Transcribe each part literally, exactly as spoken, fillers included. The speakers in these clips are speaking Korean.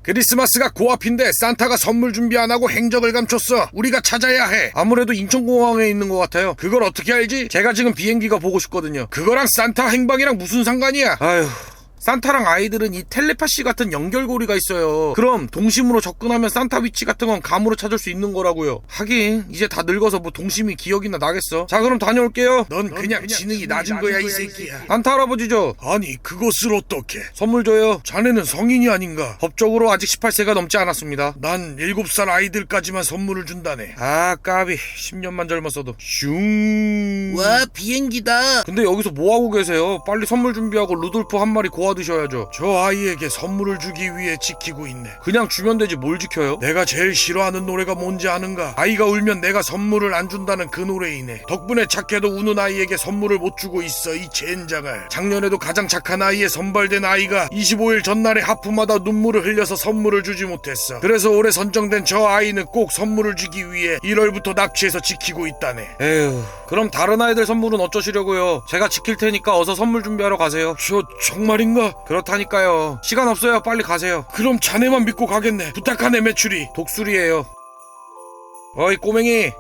크리스마스가 코앞인데 산타가 선물 준비 안 하고 행적을 감췄어. 우리가 찾아야 해. 아무래도 인천공항에 있는 것 같아요. 그걸 어떻게 알지? 제가 지금 비행기가 보고 싶거든요. 그거랑 산타 행방이랑 무슨 상관이야? 아휴. 산타랑 아이들은 이 텔레파시 같은 연결고리가 있어요. 그럼 동심으로 접근하면 산타 위치 같은 건 감으로 찾을 수 있는 거라고요. 하긴 이제 다 늙어서 뭐 동심이 기억이나 나겠어. 자, 그럼 다녀올게요. 넌, 넌 그냥, 그냥 지능이 낮은, 낮은 거야, 거야 이 새끼야. 산타 할아버지죠? 아니, 그것을 어떻게? 선물 줘요. 자네는 성인이 아닌가? 법적으로 아직 열여덟 세가 넘지 않았습니다. 난 일곱 살 아이들까지만 선물을 준다네. 아, 까비. 십 년만 젊었어도. 슝. 와, 비행기다. 근데 여기서 뭐하고 계세요? 빨리 선물 준비하고 루돌프 한 마리 고아 드셔야죠. 저 아이에게 선물을 주기 위해 지키고 있네. 그냥 주면 되지 뭘 지켜요? 내가 제일 싫어하는 노래가 뭔지 아는가? 아이가 울면 내가 선물을 안 준다는 그 노래이네. 덕분에 착해도 우는 아이에게 선물을 못 주고 있어, 이 젠장을. 작년에도 가장 착한 아이에 선발된 아이가 이십오 일 전날에 하프마다 눈물을 흘려서 선물을 주지 못했어. 그래서 올해 선정된 저 아이는 꼭 선물을 주기 위해 일월부터 납치해서 지키고 있다네. 에휴, 그럼 다른 아이들 선물은 어쩌시려고요? 제가 지킬 테니까 어서 선물 준비하러 가세요. 저 정말인가? 그렇다니까요. 시간 없어요. 빨리 가세요. 그럼 자네만 믿고 가겠네. 부탁하네, 매출이. 독수리예요. 어이 꼬맹이,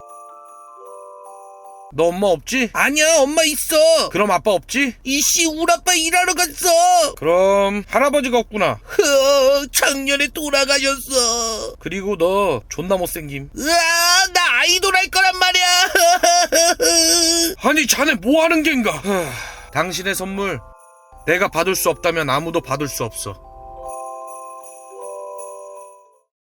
너 엄마 없지? 아니야, 엄마 있어. 그럼 아빠 없지? 이씨, 우리 아빠 일하러 갔어. 그럼 할아버지가 없구나. 흐, 작년에 돌아가셨어. 그리고 너 존나 못생김. 으아, 나 아이돌 할 거란 말이야. 아니 자네 뭐하는 겐가? 당신의 선물 내가 받을 수 없다면 아무도 받을 수 없어.